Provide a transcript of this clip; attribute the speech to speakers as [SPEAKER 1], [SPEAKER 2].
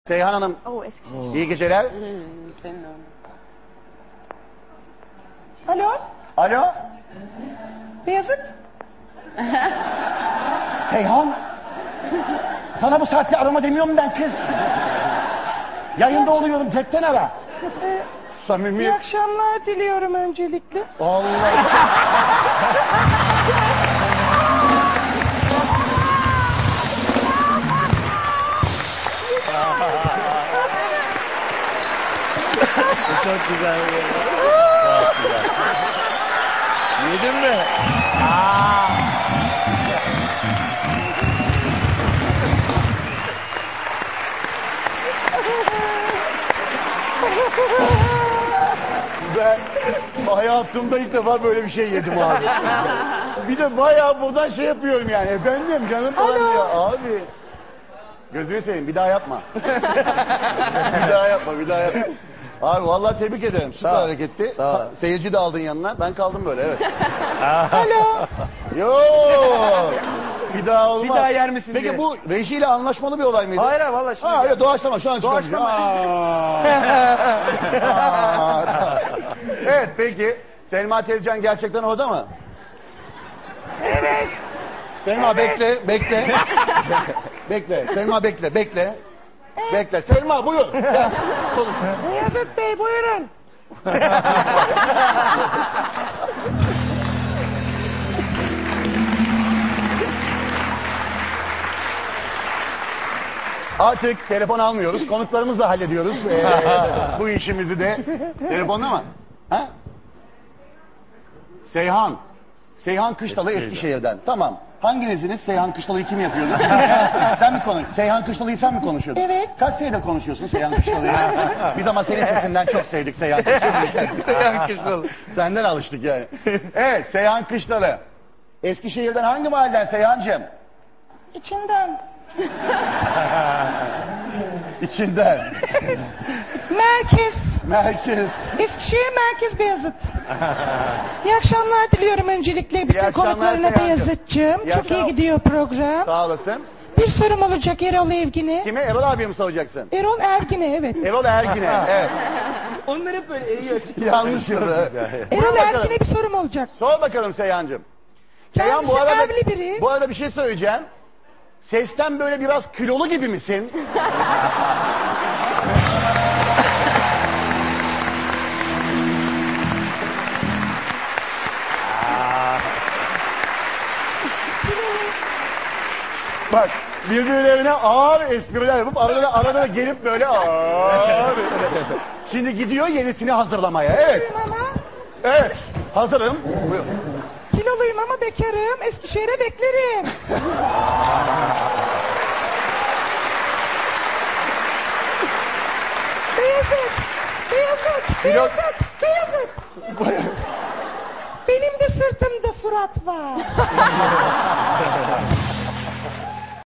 [SPEAKER 1] Seyhan Hanım,
[SPEAKER 2] Eskişehir.
[SPEAKER 1] iyi geceler.
[SPEAKER 2] Alo,
[SPEAKER 1] Alo,
[SPEAKER 2] Beyazıt.
[SPEAKER 1] Seyhan. Sana bu saatte arama demiyorum ben kız. Yayında oluyorum, cepten ara. Samimi.
[SPEAKER 2] İyi akşamlar diliyorum öncelikle.
[SPEAKER 1] Allah.
[SPEAKER 3] Çok güzel. Çok güzel. Yedin mi?
[SPEAKER 1] Ben hayatımda ilk defa böyle bir şey yedim abi. Bir de bayağı buradan şey yapıyorum yani. Efendim canım falan diyor. Abi. Gözünü seveyim bir daha yapma. Bir daha yapma, bir daha yapma. Abi vallahi tebrik ederim. Süper hareketti.
[SPEAKER 3] Sağ ol.
[SPEAKER 1] Seyirci de aldın yanına. Ben kaldım böyle, evet.
[SPEAKER 2] Alo.
[SPEAKER 1] Yok. Bir daha olmaz.
[SPEAKER 3] Bir daha yer misin
[SPEAKER 1] Peki
[SPEAKER 3] diye.
[SPEAKER 1] bu rejiyle anlaşmalı bir olay mıydı?
[SPEAKER 3] Hayır valla şimdi.
[SPEAKER 1] Ha öyle doğaçlama şu an çıkarmışım. Evet peki. Selma Tezcan gerçekten orada mı? Evet. Selma bekle, bekle. Bekle. Selma bekle, bekle. Bekle. Selma buyur. Gel. Konuş.
[SPEAKER 2] Beyazıt Bey buyurun.
[SPEAKER 1] Artık telefon almıyoruz. Konuklarımızla hallediyoruz. Bu işimizi de. Telefonla mı? Ha? Seyhan. Seyhan Kışlalı Eskişehir'den. Tamam. Hanginiziniz Seyhan Kışlalı'yı kim yapıyordu? Sen mi konuş? Seyhan Kışlalı'yı sen mi konuşuyordun?
[SPEAKER 2] Evet.
[SPEAKER 1] Kaç senedir konuşuyorsun Seyhan Kışlalı'yı? Biz ama senin sesinden çok sevdik Seyhan Kışlalı'yı.
[SPEAKER 3] Seyhan Kışlalı.
[SPEAKER 1] Senden alıştık yani. Evet Seyhan Kışlalı. Eskişehir'den hangi mahalleden Seyhancığım?
[SPEAKER 2] İçinden.
[SPEAKER 1] İçinden.
[SPEAKER 2] Merkez.
[SPEAKER 1] Merkez.
[SPEAKER 2] Eskişehir Merkez Beyazıt. İyi akşamlar diliyorum öncelikle bütün
[SPEAKER 1] akşamlar
[SPEAKER 2] konuklarına
[SPEAKER 1] Seyhancığım.
[SPEAKER 2] Beyazıt'cığım.
[SPEAKER 1] İyi
[SPEAKER 2] Çok iyi
[SPEAKER 1] akşamlar.
[SPEAKER 2] gidiyor program.
[SPEAKER 1] Sağ olasın.
[SPEAKER 2] Bir sorum olacak Erol Evgin'e.
[SPEAKER 1] Kime? Erol abiye mi soracaksın?
[SPEAKER 2] Erol Ergin'e evet.
[SPEAKER 1] Erol Ergin'e. Evet.
[SPEAKER 3] Onlar hep böyle iyi açık.
[SPEAKER 1] Yanlış yıldı.
[SPEAKER 2] Erol
[SPEAKER 1] bakalım.
[SPEAKER 2] Ergin'e bir sorum olacak.
[SPEAKER 1] Sor bakalım Seyhancığım. Seyhan
[SPEAKER 2] Kendisi evli biri.
[SPEAKER 1] bu arada bir şey söyleyeceğim. Sesten böyle biraz kilolu gibi misin? Bak birbirlerine ağır espriler yapıp arada da gelip böyle ağır. Şimdi gidiyor yenisini hazırlamaya. Evet.
[SPEAKER 2] Kiloluyum ama,
[SPEAKER 1] Evet. Hazırım. Buyur.
[SPEAKER 2] kiloluyum ama bekarım. Eskişehir'e beklerim. Beyazıt, Beyazıt, Beyazıt, Beyazıt. Benim de sırtımda surat var.